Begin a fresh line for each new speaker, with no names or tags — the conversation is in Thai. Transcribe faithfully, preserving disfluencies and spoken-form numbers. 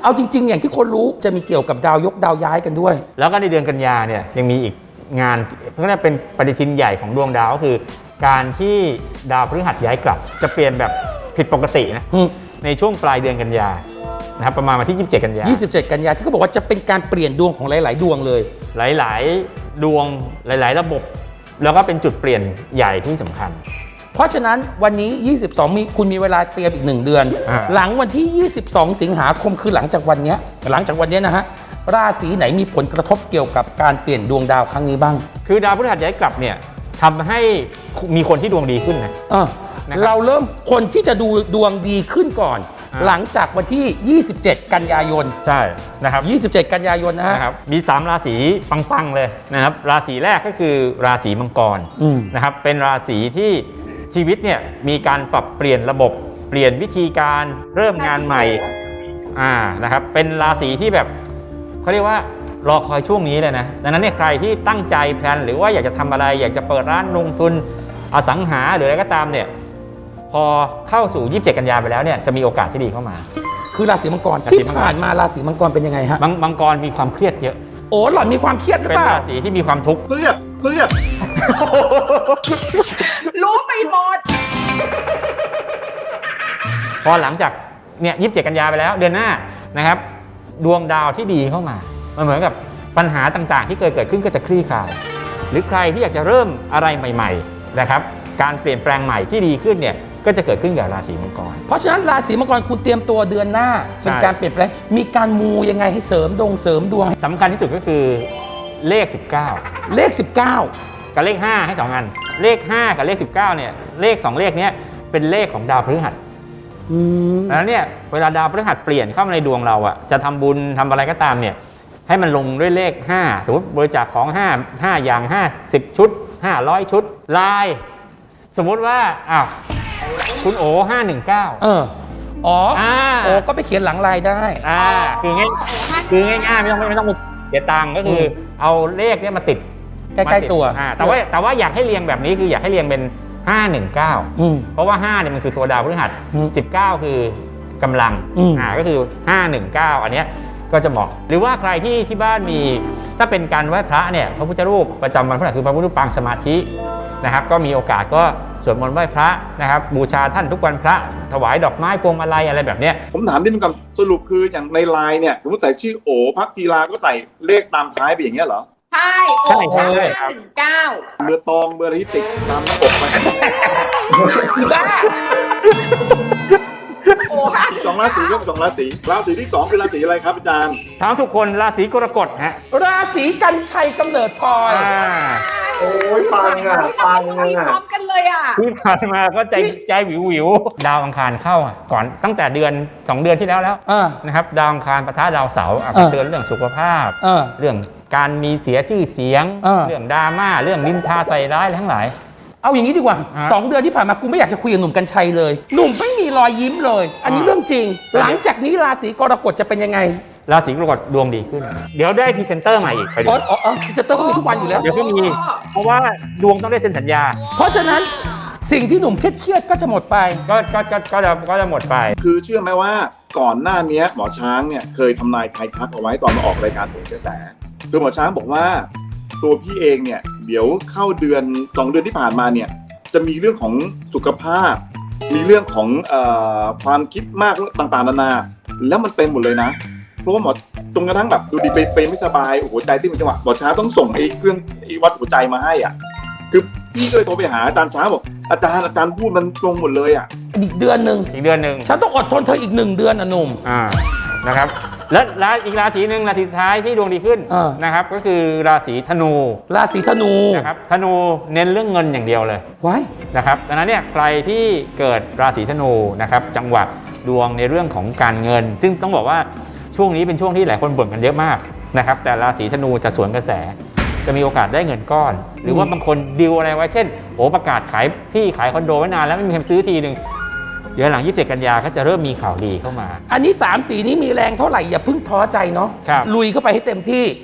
เอาจริงๆอย่างที่คนรู้จะมีเกี่ยวกับดาวยกดาวย้ายกันด้วย
แล้วก็ในเดือนกันยาเนี่ยยังมีอีกงานเพราะนั่นเป็นปฏิทินใหญ่ของดวงดาวก็คือการที่ดาวพฤหัสย้ายกลับจะเปลี่ยนแบบผิดปกตินะในช่วงปลายเดือนกันยานะครับประมาณวันที่ยี่สิบเจ็ดกันยา
ยี่สิบเจ็ดกันยาที่เขาบอกว่าจะเป็นการเปลี่ยนดวงของหลายๆดวงเลย
หลายๆดวงหลายๆระบบแล้วก็เป็นจุดเปลี่ยนใหญ่ที่สำคัญ
เพราะฉะนั้นวันนี้ยี่สิบสองมีคุณมีเวลาเตรียมอีกหนึ่งเดือนหลังวันที่ยี่สิบสองสิงหาคมคือหลังจากวันนี้หลังจากวันนี้นะฮะราศีไหนมีผลกระทบเกี่ยวกับการเปลี่ยนดวงดาวครั้งนี้บ้าง
คือดาวพฤหัสย้ายกลับเนี่ยทำให้มีคนที่ดวงดีขึ้นนะ
เราเริ่มคนที่จะดูดวงดีขึ้นก่อนหลังจากวันที่ยี่สิบเจ็ดกันยายน
ใช่นะครับ
ยี่สิบเจ็ดกันยายนนะฮะ
มีสามราศีปังๆเลยนะครับราศีแรกก็คือราศีมังกรนะครับเป็นราศีที่ชีวิตเนี่ยมีการปรับเปลี่ยนระบบเปลี่ยนวิธีการเริ่มงานใหม่อ่านะครับเป็นราศีที่แบบเขาเรียกว่ารอคอยช่วงนี้เลยนะดังนั้นเนี่ยใครที่ตั้งใจแพลนหรือว่าอยากจะทำอะไรอยากจะเปิดร้านลงทุนอสังหาหรืออะไรก็ตามเนี่ยพอเข้าสู่ยี่สิบเจ็ดกันยาไปแล้วเนี่ยจะมีโอกาสที่ดีเข้ามา
คือราศีมังกรที่ผ่านมาราศีมังกรเป็นยังไงฮะ
มังกรมีความเครียดเยอะ
โอ้หล่อนมีความเครียดหรือเปล่า
เป็นราศีที่มีความทุกข์
เครียดเครียด
รู้ไปหมด
พอหลังจากเนี่ยยี่สิบเจ็ดกันยาไปแล้วเดือนหน้านะครับดวงดาวที่ดีเข้ามามันเหมือนกับปัญหาต่างๆที่เคยเกิดขึ้นก็จะคลี่คลายหรือใครที่อยากจะเริ่มอะไรใหม่ๆนะครับการเปลี่ยนแปลงใหม่ที่ดีขึ้นเนี่ยก็จะเกิดขึ้นกับราศีมังกร
เพราะฉะนั้นราศีมังกรคุณเตรียมตัวเดือนหน้าเป็นการเปลี่ยนแปลงมีการมูยังไงให้เสริมดวงเสริมดวง
สำคัญที่สุดก็คือเลขสิบเก้า
เลขสิบเก้า
กับเลขห้าให้สองอันเลขห้ากับเลขสิบเก้าเนี่ยเลขสองเลขนี้เป็นเลขของดาวพฤหัสดังนั้นเนี่ยเวลาดาวพฤหัสเปลี่ยนเข้ามาในดวงเราอ่ะจะทำบุญทำอะไรก็ตามเนี่ยให้มันลงด้วยเลขห้าสมมติบริจาคของห้า ห้าอย่างห้าสิบชุดห้าร้อยชุดลายสมมุติว่าอ้าวคุณโอห้าหนึ่งเก้า
เอออ๋อโอก็ไปเขียนหลังลายได้
อ่าคือง่ายคือง่ายๆไม่ต้องไม่ต้องเสียตังค์ก็คือเอาเลขนี้มาติด
ใกล้ๆตัว
แต่ว่าแต่ว่าอยากให้เรียงแบบนี้คืออยากให้เรียงเป็นห้าหนึ่งเก้าเพราะว่าห้าเนี่ยมันคือตัวดาวพฤหัสสิบเก้าคือกำลังอ่าก็คือห้าหนึ่งเก้าอันเนี้ยก็จะเหมาะหรือว่าใครที่ที่บ้านมีถ้าเป็นการไหว้พระเนี่ยพระพุทธรูปประจำวันพฤหัสคือพระพุทธรูปปางสมาธินะครับก็มีโอกาสก็สวดมนต์ไหว้พระนะครับบูชาท่านทุกวันพระถวายดอกไม้พวงมาลัยอะไรแบบเนี้ย
ผมถามนิดนึงก่อนสรุปคืออย่างในไลน์เนี่ยสมมติใส่ชื่อโอพักกีฬาก็ใส่เลขตามท้ายไปอย่างเงี้ยเหรอ
ใช่โอ้ห้าหนึ่งเก้า
เบอร์ตองเบอร์อะไรที่ติดตามหน้าปกไป
อีบ้า
สองราศีก็สองราศีราศีที่สองเป็นราศีอะไรครับอาจารย์
ถามทุกคนราศีกรกฎฮะ
ราศีกันชัยกำเนิดพลอย
โอ้ยปังอ่ะปังอ่ะ
พร้อมกันเลยอ่ะ
ที่ผ่านมาก็ใจใจวิววิวดาวอังคารเข้าก่อนตั้งแต่เดือนสองเดือนที่แล้วแล้วนะครับดาวอังคารปะทะดาวเสาร์เตือนเรื่องสุขภาพเรื่องการมีเสียชื่อเสียงเรื่องดราม่าเรื่องนินทาใส่ร้ายอะไรทั้งหลาย
เอาอย่างนี้ดีกว่าสองเดือนที่ผ่านมากูไม่อยากจะคุยกับหนุ่มกัญชัยเลยหนุ่มไม่มีรอยยิ้มเลยอันนี้เรื่องจริงหลังจากนี้ราศีกรกฎจะเป็นยังไง
ราศีกรกฎดวงดีขึ้นเดี๋ยวได้พรีเซนเตอร์ใหม่อีกไปดู
อ๋ออ๋อพรีเซนเตอร์ก็มีทุกวันอยู่แล้ว
เดี๋ยวก็มีเพราะว่าดวงต้องได้เซ็นสัญญา
เพราะฉะนั้นสิ่งที่หนุ่มเครียดก็จะหมดไป
ก็ก็ก็ก็จะก็จะหมดไป
คือเชื่อไหมว่าก่อนหน้านี้หมอช้างเนี่ยเคยทำนายทายทักเอาไว้ตอนมาออกรายการโหนกระแสคือหมอช้างบอกว่าตัวพี่เองเนี่ยเดี๋ยวเข้าเดือนสองเดือนที่ผ่านมาเนี่ยจะมีเรื่องของสุขภาพมีเรื่องของเอ่อความคิดมากต่างๆนานาแล้วมันเป็นหมดเลยนะเพราะว่าหมอจนกระทั่งแบบดูดีไปไปไม่สบายหัวใจที่มันจังหวะหมอช้างต้องส่งไอ้เครื่องไอ้วัดหัวใจมาให้อ่ะคือพี่ก็เลยโทรไปหาอาจารย์ช้างบอกอาจารย์อาจารย์พูดมันตรงหมดเลยอ่ะ
อีกเดือนหนึ่ง
อีกเดือนหนึ่ง
ฉันต้องอดทนเธออีกหนึ่งเดือนนะหนุ่ม
อ่านะครับและและอีกราศีหนึ่งราศีสุดท้ายที่ดวงดีขึ้นนะครับก็คือราศีธนู
ราศีธนู
นะครับธนูเน้นเรื่องเงินอย่างเดียวเลย
ไว้
นะครับดังนั้นเนี่ยใครที่เกิดราศีธนูนะครับจังหวะดวงในเรื่องของการเงินซึ่งต้องบอกว่าช่วงนี้เป็นช่วงที่หลายคนบ่นกันเยอะมากนะครับแต่ราศีธนูจะสวนกระแสจะมีโอกาสได้เงินก้อนหรือว่าบางคนดีลอะไรไว้เช่นโอ้ประกาศขายที่ขายคอนโดไว้นานแล้วไม่มีใครซื้อทีนึงเดี๋ยวหลังยี่สิบเจ็ดกันยาก็จะเริ่มมีข่าวดีเข้ามา
อันนี้สามสีนี้มีแรงเท่าไหร่อย่าเพิ่งท้อใจเนาะลุยเข้าไปให้เต็มที่